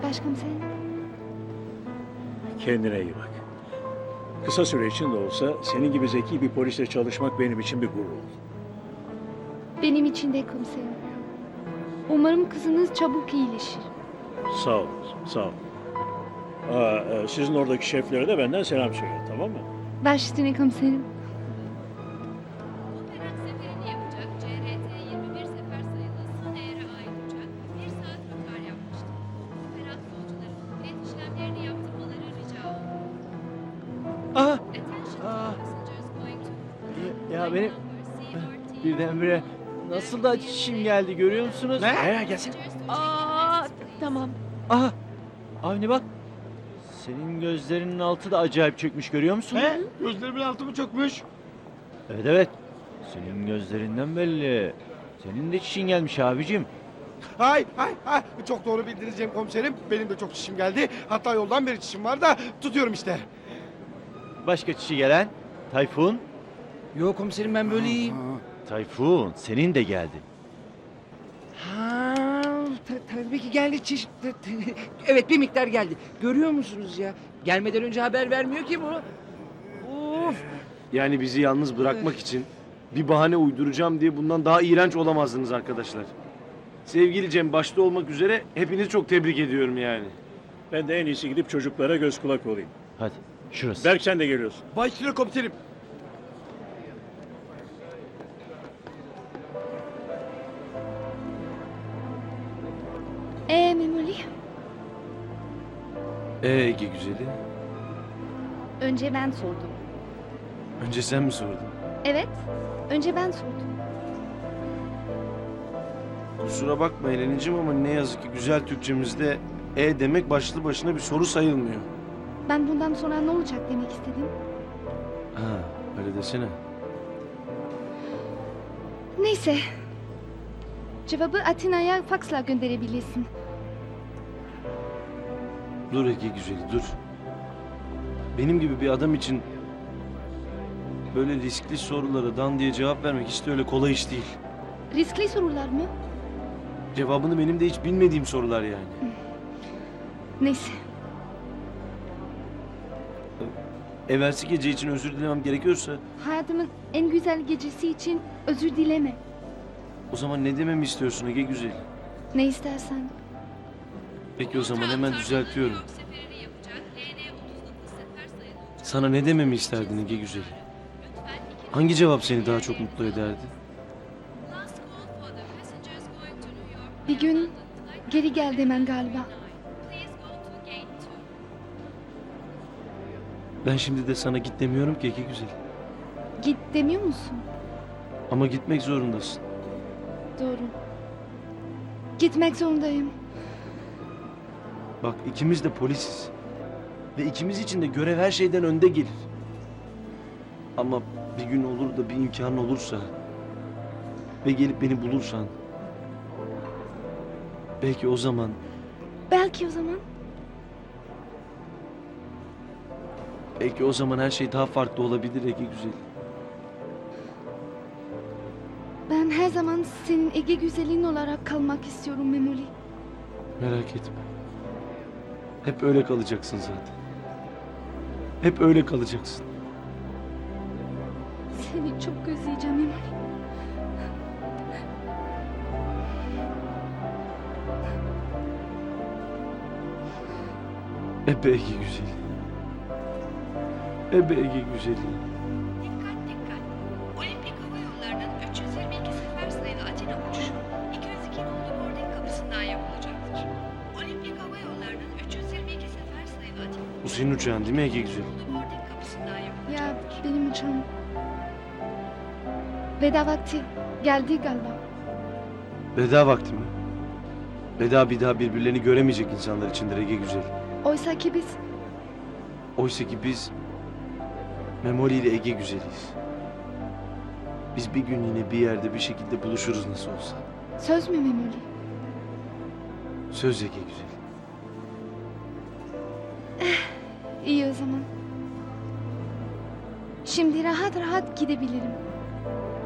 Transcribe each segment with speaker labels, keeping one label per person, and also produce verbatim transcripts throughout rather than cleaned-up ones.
Speaker 1: başkomiserim.
Speaker 2: Kendine iyi bak. Kısa süre için de olsa senin gibi zeki bir polisle çalışmak benim için bir gurur oldu.
Speaker 1: Benim için de komiserim. Umarım kızınız çabuk iyileşir.
Speaker 2: Sağ ol, sağ ol. Aa, e, sizin oradaki şeflere de benden selam söyle, tamam mı?
Speaker 1: Baş üstüne komiserim.
Speaker 3: Operat seferini yapacak C R T yirmi bir sefer sayılı son eğre ait uçak bir saat rötar yapmıştı. Operat yolcuların bilet işlemlerini yaptırmaları rica oldu.
Speaker 4: Aha!
Speaker 3: Attention
Speaker 4: Aa.
Speaker 3: passengers going to
Speaker 4: Ya, ya benim
Speaker 3: number C R T
Speaker 4: birdenbire nasıl da çişim geldi görüyor musunuz?
Speaker 2: Ne? Gelsin.
Speaker 1: Aa, tamam.
Speaker 4: Aha! Avni bak. Senin gözlerinin altı da acayip çökmüş görüyor musun?
Speaker 5: He? Gözlerimin altı mı çökmüş?
Speaker 4: Evet evet. Senin gözlerinden belli. Senin de çişin gelmiş abicim.
Speaker 5: Hay hay hay. Çok doğru bildiniz Cem komiserim. Benim de çok çişim geldi. Hatta yoldan beri çişim var da tutuyorum işte.
Speaker 4: Başka çişi gelen? Tayfun.
Speaker 6: Yok komiserim ben böyle iyiyim.
Speaker 4: Tayfun senin de geldi.
Speaker 6: Ha, ta- tabii ki geldi çeşit. Evet bir miktar geldi. Görüyor musunuz ya? Gelmeden önce haber vermiyor ki bu. Of.
Speaker 7: Yani bizi yalnız bırakmak için bir bahane uyduracağım diye bundan daha iğrenç olamazdınız arkadaşlar. Sevgili Cem başta olmak üzere hepinizi çok tebrik ediyorum yani.
Speaker 2: Ben de en iyisi gidip çocuklara göz kulak olayım.
Speaker 4: Hadi şurası.
Speaker 2: Berk sen de geliyorsun.
Speaker 5: Başüstüne komiserim.
Speaker 1: Ee Memoli,
Speaker 7: Ee Ege güzeli.
Speaker 1: önce ben sordum.
Speaker 7: Önce sen mi sordun?
Speaker 1: Evet, önce ben sordum.
Speaker 7: Kusura bakma Eleniciğim ama ne yazık ki güzel Türkçemizde e demek başlı başına bir soru sayılmıyor.
Speaker 1: Ben bundan sonra ne olacak demek istedim.
Speaker 7: Ha öyle desene.
Speaker 1: Neyse. Cevabı Atina'ya faksla gönderebilirsin.
Speaker 7: Dur Ege güzeli dur. Benim gibi bir adam için böyle riskli sorulara dan diye cevap vermek hiç de öyle kolay iş değil.
Speaker 1: Riskli sorular mı?
Speaker 7: Cevabını benim de hiç bilmediğim sorular yani.
Speaker 1: Neyse.
Speaker 7: Evvelsi gece için özür dilemem gerekiyorsa
Speaker 1: Hayatımın en güzel gecesi için özür dileme.
Speaker 7: o zaman ne dememi istiyorsun Ege güzel?
Speaker 1: Ne istersen.
Speaker 7: Peki o zaman hemen düzeltiyorum.
Speaker 3: New York seferini yapacak L N otuz dokuz sefer sayılı uçak
Speaker 7: Sana ne dememi isterdin Ege güzel?
Speaker 3: lütfen iki
Speaker 7: Hangi cevap seni daha çok mutlu ederdi?
Speaker 3: last call for the passengers going to New York
Speaker 1: Bir gün
Speaker 3: London flight
Speaker 1: geri gel demen galiba.
Speaker 3: Please go to gate two.
Speaker 7: Ben şimdi de sana git demiyorum ki Ege güzel.
Speaker 1: Git demiyor musun?
Speaker 7: Ama gitmek zorundasın.
Speaker 1: Doğru. Gitmek zorundayım.
Speaker 7: Bak ikimiz de polisiz. Ve ikimiz için de görev her şeyden önde gelir. Ama bir gün olur da bir imkan olursa ve gelip beni bulursan belki o zaman
Speaker 1: Belki o zaman.
Speaker 7: belki o zaman her şey daha farklı olabilir Ege güzel.
Speaker 1: Ben her zaman senin Ege güzelin olarak kalmak istiyorum Memoli.
Speaker 7: Merak etme. Hep öyle kalacaksın zaten. Hep öyle kalacaksın.
Speaker 1: Seni çok özleyeceğim Memoli.
Speaker 7: Ebe Ege güzeli. Ebe Ege güzeli.
Speaker 3: Dikkat dikkat. Olimpik Hava Yolları'nın üç yüz yirmi iki sefer sayılı Atina uçuşu iki yüz iki nolu boarding kapısından yapılacaktır. Olimpik Hava Yolları'nın üç yüz yirmi iki sefer sayılı Atina
Speaker 7: Bu senin uçağın değil mi Ege güzeli?
Speaker 3: nolu boarding kapısından
Speaker 1: Ya
Speaker 3: yapılacaktır.
Speaker 1: benim uçağım. Veda vakti geldi galiba.
Speaker 7: Veda vakti mi? Veda bir daha birbirlerini göremeyecek insanlar içindir Ege güzel.
Speaker 1: Oysa ki biz
Speaker 7: Oysa ki biz Memoli ile Ege güzeliyiz. Biz bir gün yine bir yerde bir şekilde buluşuruz nasıl olsa.
Speaker 1: söz mü Memoli?
Speaker 7: Söz Ege güzel.
Speaker 1: İyi o zaman. Şimdi rahat rahat gidebilirim.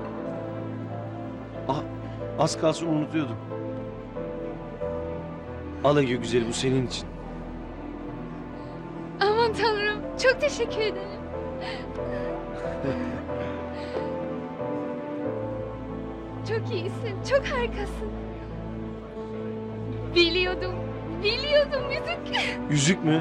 Speaker 7: Ah, az kalsın unutuyordum. Al Ege güzeli, bu senin için.
Speaker 1: Aman tanrım, çok teşekkür ederim. Çok iyisin, çok harikasın. Biliyordum, biliyordum yüzük.
Speaker 7: Yüzük mü?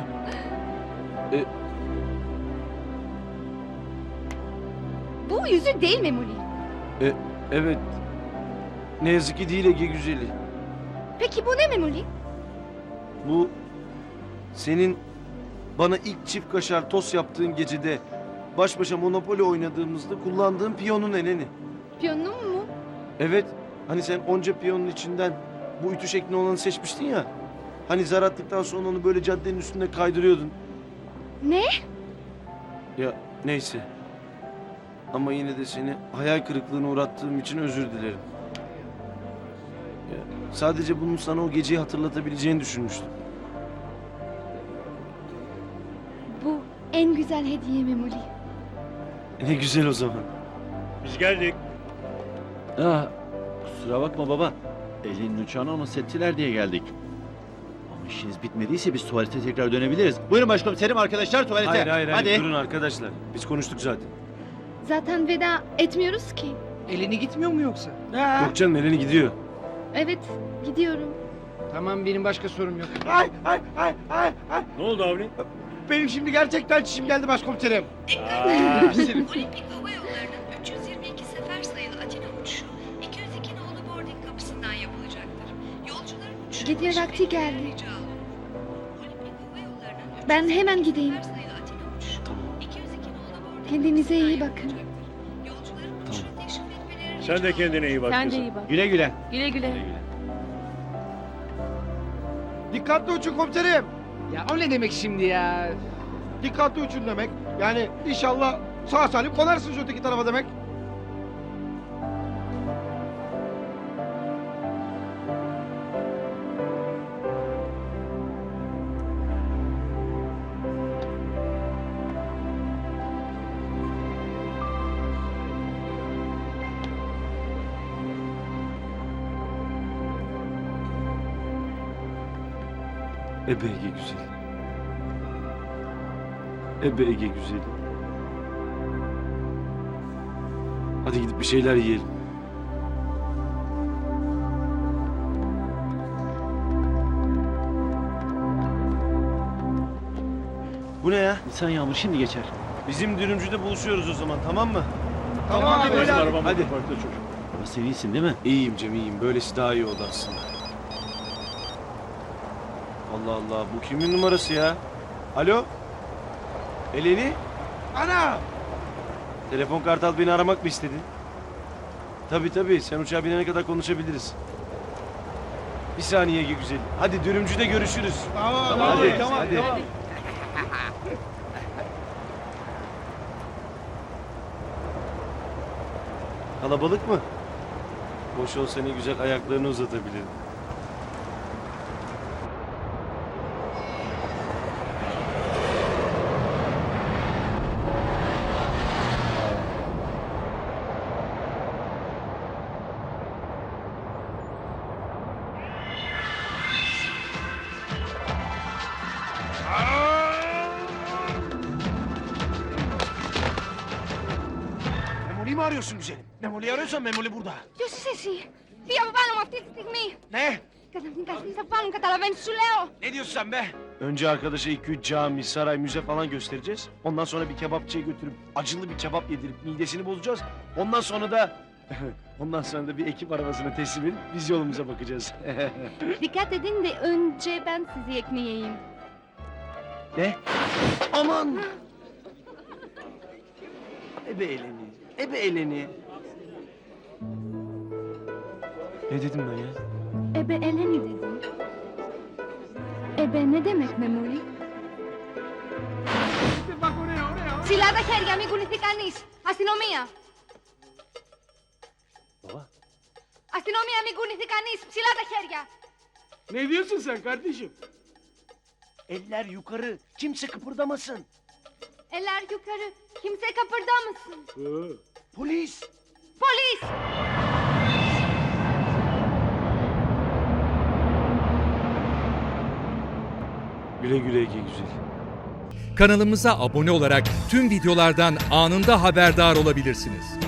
Speaker 1: Bu yüzük değil Memoli.
Speaker 7: E, evet. Ne yazık ki değil Ege güzeli.
Speaker 1: Peki bu ne Memoli?
Speaker 7: Bu senin bana ilk çift kaşar tost yaptığın gecede baş başa Monopoly oynadığımızda kullandığım piyonun eneni.
Speaker 1: Piyonum mu?
Speaker 7: Evet. Hani sen onca piyonun içinden bu ütü şeklinde olanı seçmiştin ya. Hani zar attıktan sonra onu böyle caddenin üstünde kaydırıyordun.
Speaker 1: Ne?
Speaker 7: Ya neyse. Ama yine de seni hayal kırıklığına uğrattığım için özür dilerim. Ya, sadece bunun sana o geceyi hatırlatabileceğini düşünmüştüm.
Speaker 1: Bu en güzel hediye Memoli.
Speaker 7: Ne güzel o zaman.
Speaker 2: Biz geldik.
Speaker 4: Ah, kusura bakma baba. Elinin uçağını anons ettiler diye geldik. Ama işiniz bitmediyse biz tuvalete tekrar dönebiliriz. Buyurun başkomiserim, arkadaşlar tuvalete.
Speaker 7: Hayır hayır hayır
Speaker 4: Hadi.
Speaker 7: durun arkadaşlar. Biz konuştuk zaten.
Speaker 1: Zaten veda etmiyoruz ki.
Speaker 6: Elini gitmiyor mu yoksa?
Speaker 7: Yok canım Eleni gidiyor.
Speaker 1: Evet, gidiyorum.
Speaker 6: Tamam, benim başka sorum yok.
Speaker 5: Ay ay ay ay ay.
Speaker 2: Ne oldu Avni?
Speaker 5: Benim şimdi gerçekten çişim geldi başkomiserim.
Speaker 3: Olimpik Hava Yolları'nın üç yüz yirmi iki sefer sayılı Atina uçuşu iki yüz iki nolu boarding kapısından yapılacaktır. Yolcuların uçuşu
Speaker 1: Gece
Speaker 3: başı
Speaker 1: vakti
Speaker 3: beklemeye
Speaker 1: geldi.
Speaker 3: rica olunur. Olimpik Hava Yolları'nın üç
Speaker 1: Ben
Speaker 3: yüz
Speaker 1: hemen
Speaker 3: yirmi iki
Speaker 1: gideyim.
Speaker 3: sefer sayılı Atina uçuşu iki yüz iki nolu boarding
Speaker 1: Kendinize iyi
Speaker 3: kapısından
Speaker 1: bakın.
Speaker 3: yapılacaktır. Yolcuların uçuşu teşrif etmeleri
Speaker 2: Sen de
Speaker 3: rica
Speaker 2: kendine iyi bak
Speaker 8: Sen de
Speaker 2: kızım.
Speaker 8: iyi bak.
Speaker 4: Güle güle.
Speaker 8: Güle güle.
Speaker 4: Güle güle.
Speaker 5: Dikkatli uçun komiserim.
Speaker 6: Ya o ne demek şimdi ya?
Speaker 5: Dikkatli uçun demek. Yani inşallah sağ salim konarsınız öteki tarafa demek.
Speaker 7: Ebe Ege güzeli. Ebe Ege güzeli. Hadi gidip bir şeyler yiyelim. Bu ne ya?
Speaker 4: Nisan yağmur şimdi geçer.
Speaker 7: Bizim dürümcüde buluşuyoruz o zaman, tamam mı?
Speaker 5: Tamam abi,
Speaker 2: Bizim
Speaker 5: böyle abi.
Speaker 2: arabamız
Speaker 7: Hadi.
Speaker 2: parkta çocuk.
Speaker 4: Ama sen iyisin değil mi?
Speaker 7: İyiyim Cem, iyiyim. Böylesi daha iyi oldu aslında. Allah Allah, bu kimin numarası ya? Alo? Eleni?
Speaker 5: Ana!
Speaker 7: Telefon Kartal beni aramak mı istedi? Tabii tabii, sen uçağa binene kadar konuşabiliriz. Bir saniye Ege güzel. Hadi dürümcüde görüşürüz.
Speaker 5: Tamam,
Speaker 7: Hadi,
Speaker 5: tamam,
Speaker 7: hadi.
Speaker 5: tamam.
Speaker 7: Kalabalık mı? Boş olsa ne güzel ayaklarını uzatabilirim.
Speaker 5: Memoli'yi mi arıyorsun güzelim? Memoli'yi arıyorsan Memoli burada.
Speaker 1: Ποιος είσαι εσύ? Τι από πάνω μου αυτή τη στιγμή.
Speaker 5: Ne?
Speaker 1: Καταφύγασαι θα πάνω, καταλαβαίνεις σου λέω.
Speaker 5: Ne diyorsun sen be?
Speaker 7: Önce arkadaşa iki üç cami, saray, müze falan göstereceğiz. Ondan sonra bir kebapçıya götürüp acılı bir kebap yedirip midesini bozacağız. Ondan sonra da ondan sonra da bir ekip arabasına teslim edip biz yolumuza bakacağız.
Speaker 1: Dikkat edin de önce ben sizi ekmeğeyim.
Speaker 7: Ne? Aman! Ebe eleni, ebe eleni. Ne dedim ben ya?
Speaker 1: Ebe Eleni dedim. Ebe ne demek Memoli?
Speaker 5: Bak oraya oraya.
Speaker 1: Ψηλά τα χέρια, μην κουνηθεί κανείς. Αστυνομία.
Speaker 7: Baba.
Speaker 1: Αστυνομία, μην κουνηθεί κανείς. Ψηλά τα χέρια.
Speaker 5: Ne diyorsun sen kardeşim?
Speaker 7: Eller yukarı, kimse kıpırdamasın.
Speaker 1: Eller yukarı. Kimse kıpırdamasın.
Speaker 7: Polis!
Speaker 1: Polis.
Speaker 7: Güle güle Ege güzel.
Speaker 8: Kanalımıza abone olarak tüm videolardan anında haberdar olabilirsiniz.